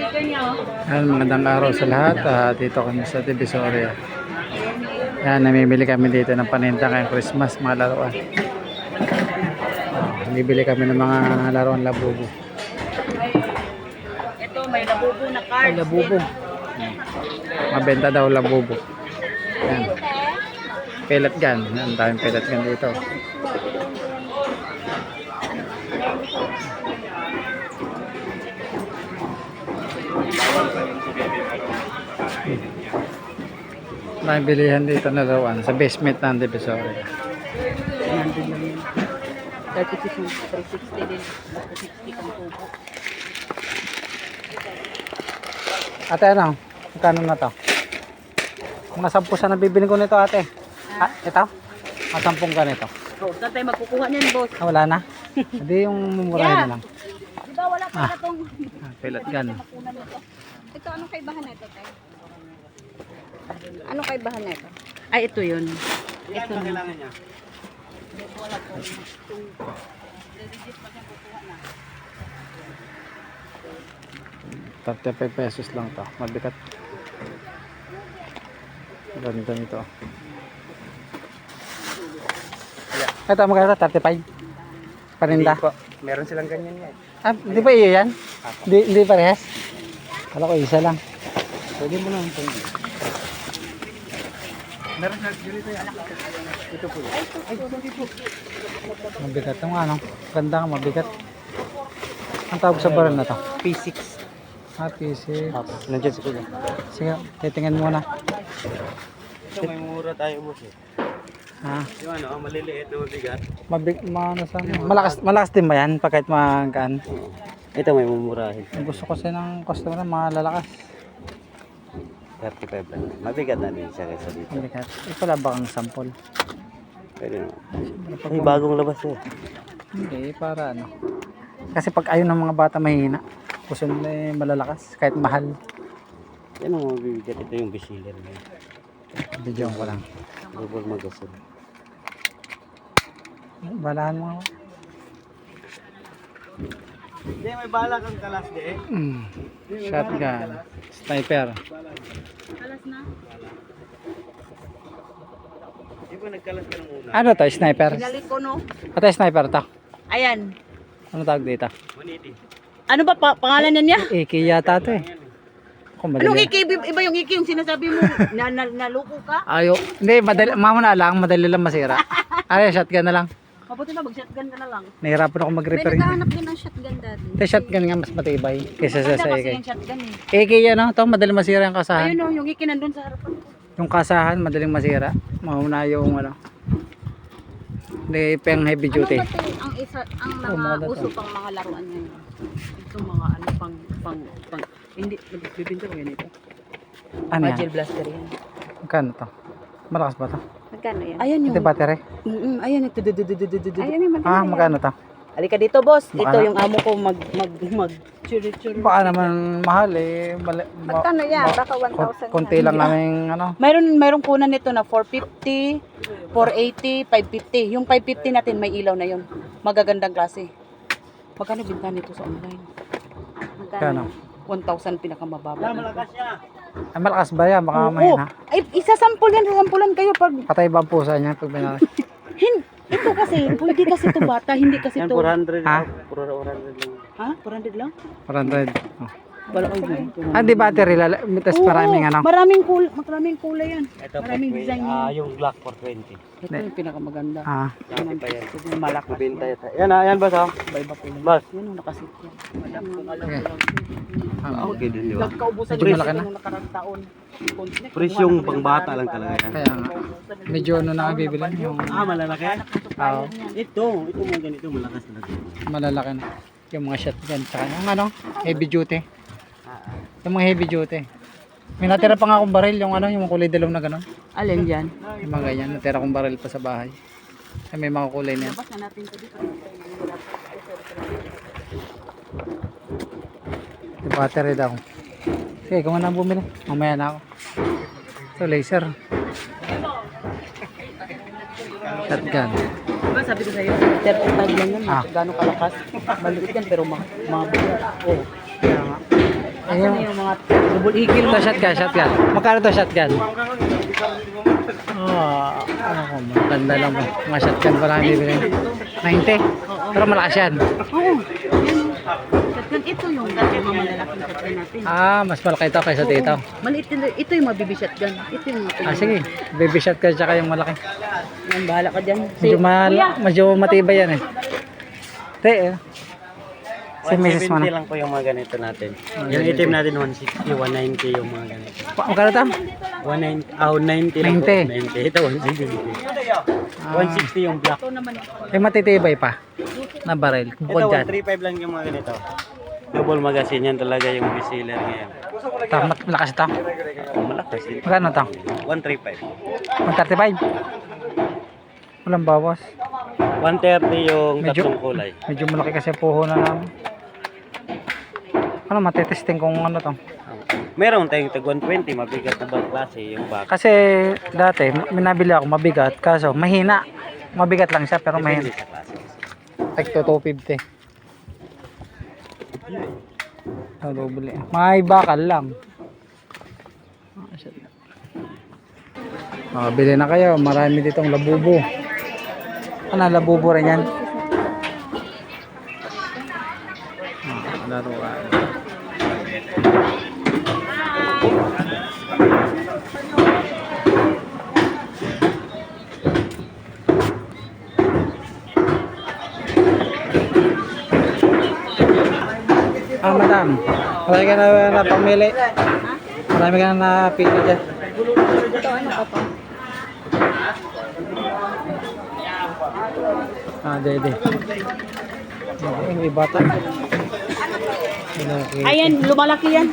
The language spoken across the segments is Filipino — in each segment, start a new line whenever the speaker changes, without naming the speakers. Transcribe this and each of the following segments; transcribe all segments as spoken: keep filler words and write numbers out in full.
Yan, magandang araw sa lahat. Ah, dito kami sa Divisoria. Yan, namimili kami dito ng paninda ngayong Christmas, mga laruan. Ah, bibili kami ng mga laruan labubo.
Ito, may labubo na cards.
Ay, labubo. Hmm. Mabenta daw labubo. Yan. Pellet gun. Yan, daming pellet gun dito. May bilihan dito na laruan sa basement ng Divisoria.
Nandun lang yun. thirty-six, three sixty din. Basta sixty kang tubo.
Ate, ano? Magkano na to? Mga sampu sa nabibili ko nito, ate. Ah, ito? Mga sampung ganito.
Oh, saan tayo magkukuha niyan, boss?
Ah, wala na? Hindi yung mumurahin na lang.
Di ba wala pa
Ah.
na tong
Ah, pellet gun.
makunan nito?
Ito, anong kaibahan na ito, tayo? Anong kaibahan na ito?
Ay, ito yun. Ito na.
thirty-five pesos lang to. Mabigat. Ganda nito. Ito, magkano? thirty-five? Paninda?
Hindi po. Meron silang ganyan yan.
Ah, di ba iyo yan? Di, di parehas? Kala ko isa lang.
Pwede mo lang ito. Meron silang ganito yan. Ito po. Ay, hindi po.
Mabigat. Ang ano? Ganda nga, mabigat. Ang tawag sa baril na to?
P six.
Ah, P six.
Nandiyan si Kuya.
Sige, titingnan muna.
Ito may mura tayo boss eh.
Ah,
Yung ano, ang maliliit na mabigat.
mabig, ma, ano, sa, malakas, malakas din ba yan? Pa kahit magaan.
Ito may mumurahin.
Ang gusto kasi ng customer, mga lalakas.
thirty-five lang. Mabigat na din siya kaysa dito.
Mabigat. Ito pala ba ang sample?
Pwede naman. Ay, bagong labas eh.
Hindi, para ano. Kasi pag ayaw ng mga bata mahihina, gusto nila eh, malalakas, kahit mahal.
Yan ang mabibigat. Ito yung bestseller niya.
Video ko lang.
Double magasin.
Balahan mo ako.
Hindi, may bala kang kalas di eh.
Mm. Shotgun. Sniper.
Alas na.
Di ba nagkalas ka ng una?
Ano to? Sniper?
Pinalit ko, no?
Ito sniper to.
Ayan.
Ano tawag dito?
one eighty.
Ano ba pa pangalan niya niya?
A K yata to eh. Kung
Anong
madali.
iki? Iba yung iki, yung sinasabi mo. na, na, naluko ka?
Ayo. Hindi, madali. Mamuna lang. Madali lang masira. Ay, shotgun na lang.
Mabuti na, mag-shotgun ka na lang.
Nahirapan ako
May
mag-repair.
naghahanap din ng shotgun dati.
Ito shotgun nga mas matibay. Kaysa sa
Maganda
sa A K.
kasi yung shotgun eh.
A K yan oh. Ito madali masira yung kasahan.
Ayun o, yung iki nandun sa harapan ko.
Yung kasahan, madaling masira. Mauna yung ano. Hindi, pang heavy duty.
Ano ba ito ang isa, ang
Oh,
mga
mga
uso pang mga laruan ngayon?
Itong mga ano, pang, pang, pang, hindi, nagbibinta ko yan ito.
Ano yan?
Magil blaster yan.
Magkano to? Malakas ba to?
Magkano yan?
Ayan yung,
Ito battery?
mm ayan yung, tududududududu.
Ayun yung maganda
Ah,
yan.
magkano to?
Halika dito, boss.
Baka
Ito
na-
yung amo ko mag, mag, mag, churi, churi.
Baka naman mahal eh. Mali, ma-
Magkano yan?
ma-
Baka one thousand
kon- Konti lang namin ano.
Mayroon, mayroon kunan nito na four fifty, four eighty, five fifty. Yung five fifty natin may ilaw na yun. Magagandang klase. Magkano binta nito sa online?
Magkano?
one thousand pinakamababa.
Ay, malakas ba yan? Baka
Oo.
mahina.
Ay, isasampol yan, sasampulan kayo pag
Patay ba ang pusa niya pag binala?
hin, ito kasi, hindi kasi to bata, hindi kasi
Yan,
to.
four hundred.
Ha?
four hundred lang.
Ha? four hundred lang?
four hundred. Oh.
Wala ko yun.
Ah, di battery. Lala, mitas maraming ano.
Maraming kulay, maraming kulay yan.
Ito po,
Maraming
may,
design
ah,
yan.
yung Glock four twenty.
Ito yung pinakamaganda.
Ah,
Dati pa yan.
Ito yung malakas.
Mabenta yata. Yan ah, yan boss ah.
Iba-iba po yun.
Boss.
Yan yung nakasit yan. Alam kung alam
Okay.
ko lang.
ah,
Okay din di ba?
Nagkaubusan
Medyo
yung
malaki na.
nung nakarang taon.
Presyong pangbata lang talaga yan.
kaya nga. Medyo ano na bibili yung
Ah, malalaki?
ah,
Ito, ito mga ganito malakas talaga.
malalaki na. Yung mga shotgun tsaka yung ano, heavy duty.
Ah,
Yung mga heavy duty. May natira pa nga akong baril, yung ano, yung kulay dilaw na gano'n.
Alin yan?
Yung mga ganyan, natira akong baril pa sa bahay. Ay, may mga kulay na yan.
Labas na natin ito dito.
Yung battery daw. Sige, kung ano bumili, mamaya na ako. Ito, laser. Shotgun.
Diba sabi ko sa'yo, thirty-five lang yan.
Ah.
Gano'ng kalakas. Maliit yan pero ma mabigat. Oh.
Kaya nga.
Asan na yung mga double eagle mo?
Ito shotgun, shotgun. Magkano to shotgun? Oh, ano ko, maganda lang mo. Mga shotgun pa lang bibili. ninety. Pero malakas yan.
Oo. Yan. Shotgun, ito yung mga malalaking shotgun natin.
Ah, mas malaki ito kaysa dito.
Maliit din. Ito yung mga baby shotgun. Ito yung mga
Ah, sige. Baby shotgun tsaka yung malaki.
Yan, bahala ka dyan.
Medyo, mal medyo matibay yan eh. Te, eh. Si Missus mo
one seventy
na.
lang po yung mga ganito natin. Yung itim natin one sixty, one ninety yung mga ganito.
Pa- Magkano to?
one ninety, ah, one ninety lang po.
ninety.
ninety. Ito one seventy.
Ah.
one sixty yung black.
Eh, matitibay pa. Na baril.
Ito
Bukod dyan.
one thirty-five lang yung mga ganito. Double magazine yan talaga yung bestseller ngayon.
Ito, mat- malakas ito.
Oh, malakas yun.
Magkano to?
one thirty-five.
one thirty-five. Walang bawas.
one thirty yung
Medyo-
tatlong kulay.
Medyo malaki kasi puhunan namin. Ano, matitesting kung ano to.
Meron tayong tag one twenty, mabigat na bang klase yung back.
Kasi dati, minabili ako mabigat. Kaso, mahina. Mabigat lang siya, pero mahina.
Depende sa klase.
Like to two fifty. Ano bili? May bakal lang. Ah, bili na kayo. Marami ditong labubo. Ano, labubo rin yan? Ah, laruan. Ah, madam. Marami ka na na pamili. Marami ka na napili dyan.
Ito, ano ka pa?
Ah, dede. Ay, may bata. Malaki.
Ayan, lumalaki yan.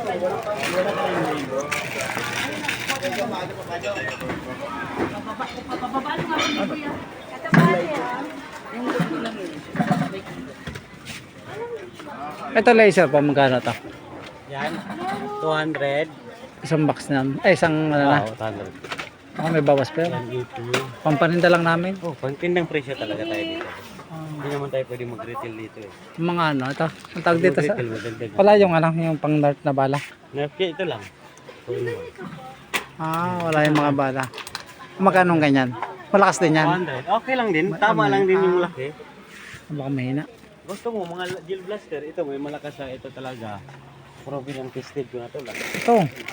Ito laser pa, magkano to?
Yan, two hundred.
Isang box na. Eh, isang ano na.
Oo, two hundred.
Ako may bawas pa yun.
Yan, eighty.
Pampaninda lang namin.
Oh, pangtindang presyo talaga tayo dito. Hindi naman tayo pwede mag-retail dito eh.
Yung mga ano, ito. Ang tawag dito sa...
Mag-retail, madagdag.
Wala yung ano, yung pang dart na bala.
Nerf kit, ito lang. two in one.
Ah, wala yung mga bala. Magkano ganyan? Malakas din
two
yan.
hundred. Okay lang din. Tama lang din yung laki.
Baka mahina.
Gusto mo, mga gel blaster, ito may malakas na ito talaga. Proven ang tested ko na ito lang.
Ito.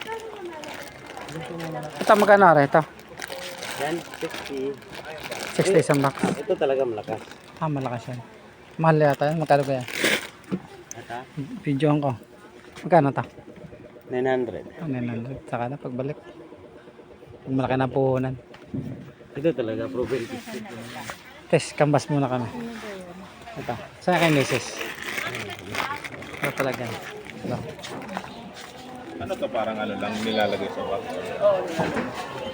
Ito, magkano rin ito?
Yan, sixty.
sixty isang box.
Ito talaga malakas.
Ah, malakas yan. Mahal yata yan. Magkano kaya?
Ata,
Videohan ko. Magkano ito?
nine hundred.
Ano nine hundred. Saka na pagbalik. Pag malaki na puhunan.
Ito talaga, proven tested.
Test, kambas muna kami. Ito. Saan kay Missus? Ito talaga. Ito.
Ano to, parang ano lang nilalagay sa box?